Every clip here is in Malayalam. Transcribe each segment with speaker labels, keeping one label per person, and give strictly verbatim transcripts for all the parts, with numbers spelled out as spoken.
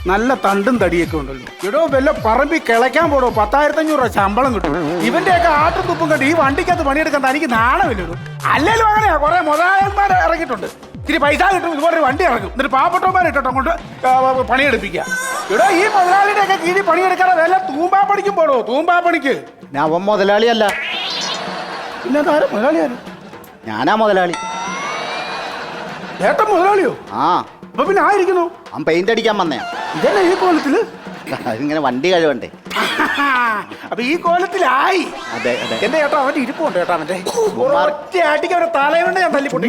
Speaker 1: നല്ല തണ്ടും തടിയൊക്കെ ഉണ്ടല്ലോ. എടോ വല്ല പറമ്പി കിളയ്ക്കാൻ പോടോ, പത്തായിരത്തി അഞ്ഞൂറ് രൂപ ശമ്പളം കിട്ടും. ഇവന്റെയൊക്കെ ആട്ടും തുപ്പും കണ്ട് ഈ വണ്ടിക്കകത്ത് പണിയെടുക്കാൻ തനിക്ക് നാണമില്ലല്ലോ. അല്ലേലും അങ്ങനെയാ, കുറെ മുതലാളന്മാർ ഇറങ്ങിയിട്ടുണ്ട്. ഇത്തിരി പൈസ കിട്ടും, ഇതുപോലെ ഒരു വണ്ടി ഇറങ്ങും, എന്നിട്ട് പാവപ്പെട്ടവന്മാരെ ഇട്ടോ അങ്ങോട്ട് പണിയെടുപ്പിക്കുക. ഇവിടെ ഈ മുതലാളിയുടെ ഒക്കെ കീഴിൽ പണിയെടുക്കാതെ വല്ല തൂമ്പാ പണിക്കും പോടോ, തൂമ്പാ പണിക്ക്.
Speaker 2: ഞാൻ അവൻ മുതലാളിയല്ല.
Speaker 1: പിന്നെ താരം മുതലാളിയാണ്.
Speaker 2: ഞാനാ മുതലാളി.
Speaker 1: ഏട്ടൻ മുതലാളിയോ?
Speaker 2: ആ.
Speaker 1: അപ്പൊ പിന്നെ ആയിരിക്കുന്നു?
Speaker 2: അവൻ പെയിന്റ് അടിക്കാൻ വന്നയാ.
Speaker 1: ഇതന്നെ ഈ കോലത്തില്?
Speaker 2: അതിങ്ങനെ വണ്ടി കഴിവണ്ടേ.
Speaker 1: അപ്പൊ ഈ കോലത്തിലായി.
Speaker 2: അതെ അതെ.
Speaker 1: എന്റെ ചേട്ടാ അവന്റെ ഇരിപ്പുണ്ട് കേട്ടോ. അവന്റെ ഒറ്റ ആട്ടിക്ക് അവന്റെ തലയുണ്ട് ഞാൻ തല്ലിപ്പൊട്ടി.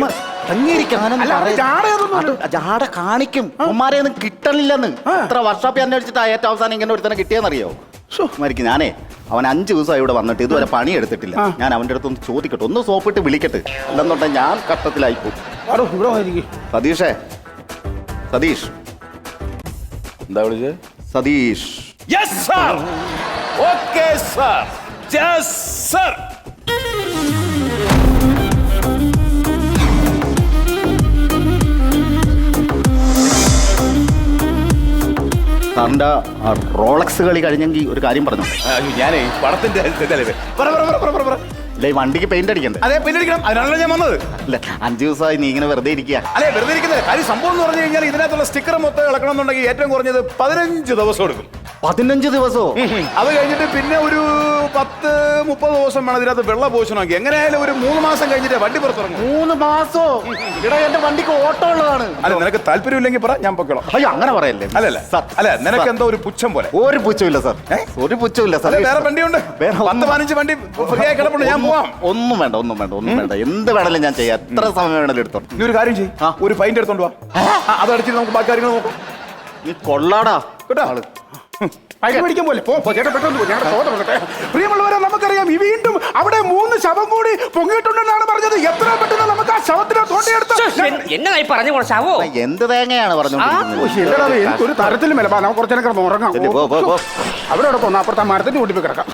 Speaker 2: ജാട കാണിക്കും. ഉമ്മാരെ ഒന്നും കിട്ടണില്ലെന്ന് ഇത്ര വർഷോപ്പ് അന്വേഷിച്ചിട്ട് ഏറ്റവും അവസാനം ഇങ്ങനെ ഒരുത്തനെ കിട്ടിയെന്നറിയോ? മരിക്കും. ഞാനേ അവൻ അഞ്ചു ദിവസമായി ഇവിടെ വന്നിട്ട് ഇതുവരെ പണി എടുത്തിട്ടില്ല. ഞാൻ അവന്റെ അടുത്ത് ഒന്ന് ചോദിക്കട്ടെ, ഒന്ന് സോപ്പിട്ട് വിളിക്കട്ടെ. അല്ലെന്നുണ്ടെങ്കിൽ ഞാൻ കട്ടത്തിലായിപ്പോ. സതീഷേ, സതീഷ്.
Speaker 3: എന്താ വിളിച്ചത്?
Speaker 2: Satheesh.
Speaker 3: Yes sir. Okay sir. Yes sir.
Speaker 2: സാറിന്റെ റോളക്സ് കളി കഴിഞ്ഞെങ്കിൽ ഒരു കാര്യം പറഞ്ഞു.
Speaker 3: ഞാനേ പടത്തിന്റെ
Speaker 2: അല്ലെ വണ്ടിക്ക് പെയിന്റ് അടിക്കണ്ടേ?
Speaker 3: അതെ, പെയിന്റ് അടിക്കണം. അതിനാണല്ലോ ഞാൻ വന്നത്.
Speaker 2: അല്ല, അഞ്ചു ദിവസമായി നീ ഇങ്ങനെ വെറുതെ ഇരിക്കുക.
Speaker 3: അല്ലെ, വെറുതെ ഇരിക്കുന്നത് കാര്യം സംഭവം എന്ന് പറഞ്ഞു കഴിഞ്ഞാൽ ഇതിനകത്തുള്ള സ്റ്റിക്കർ മൊത്തം ഇളക്കണം എന്നുണ്ടെങ്കിൽ ഏറ്റവും കുറഞ്ഞത് പതിനഞ്ച് ദിവസം എടുക്കും.
Speaker 2: പതിനഞ്ച് ദിവസമോ?
Speaker 3: അത് കഴിഞ്ഞിട്ട് പിന്നെ ഒരു പത്ത് മുപ്പത് ദിവസം വേണം ഇതിനകത്ത് വെള്ള പോഷണമാക്കി. എങ്ങനെയായാലും ഒരു മൂന്ന് മാസം കഴിഞ്ഞിട്ട് വണ്ടി പുറത്തിറങ്ങും.
Speaker 2: മൂന്ന് മാസോ? ഇവിടെ എന്റെ വണ്ടിക്ക് ഓട്ടം ഉള്ളതാണ്.
Speaker 3: അല്ല, നിനക്ക് താല്പര്യമില്ലെങ്കിൽ പറ, ഞാൻ പൊക്കോളാം.
Speaker 2: അയ്യോ, അങ്ങനെ പറയല്ലേ.
Speaker 3: അല്ലല്ല അല്ല, നിനക്ക് എന്തോ ഒരു പുച്ഛം പോലെ.
Speaker 2: ഒരു പുച്ഛമില്ല സാർ, ഒരു പുച്ഛമില്ല സാർ.
Speaker 3: വേറെ വണ്ടിയുണ്ട്, പത്ത് പതിനഞ്ച് വണ്ടി ഫ്രീ ആയി കിടപ്പുണ്ട്. ഞാൻ പോവാം.
Speaker 2: ഒന്നും വേണ്ട, ഒന്നും വേണ്ട, ഒന്നും വേണ്ട. എന്ത് വേണേലും ഞാൻ ചെയ്യാം. എത്ര സമയം വേണേലും എടുത്തോ.
Speaker 3: നീ ഒരു കാര്യം ചെയ്യും, ഒരു ഫൈൻ എടുത്തോണ്ട് വാ. അത് അടിച്ചിട്ട് നമുക്ക് ബാക്കി കാര്യങ്ങൾ നോക്കാം.
Speaker 2: നീ കൊള്ളാടാ
Speaker 3: കേട്ടോ.
Speaker 2: ആള്
Speaker 1: മേടിക്കാൻ പോലെ പോ ചേട്ടാ, പെട്ടെന്ന് ഞങ്ങളുടെ തോട്ടം നോക്കട്ടെ. പ്രിയമുള്ളവരെ, നമുക്കറിയാം ഈ വീണ്ടും അവിടെ മൂന്ന് ശവം കൂടി പൊങ്ങിയിട്ടുണ്ടെന്നാണ് പറഞ്ഞത്. എത്ര പെട്ടെന്ന് നമുക്ക് ആ ശവത്തിനെ തോണ്ടിയെടുത്ത്
Speaker 4: എന്നായി പറഞ്ഞു ശവോ?
Speaker 2: എന്ത് തേങ്ങയാണ് പറഞ്ഞോണ്ടിരിക്കുന്നത്?
Speaker 1: എനിക്കൊരു തരത്തിലും വില. നമുക്ക് കുറച്ചു നേരം ഉറങ്ങാം. അവിടെ അവിടെ പോന്നു, അപ്പുറത്തെ മരത്തിന്റെ കൂട്ടി കിടക്കാം.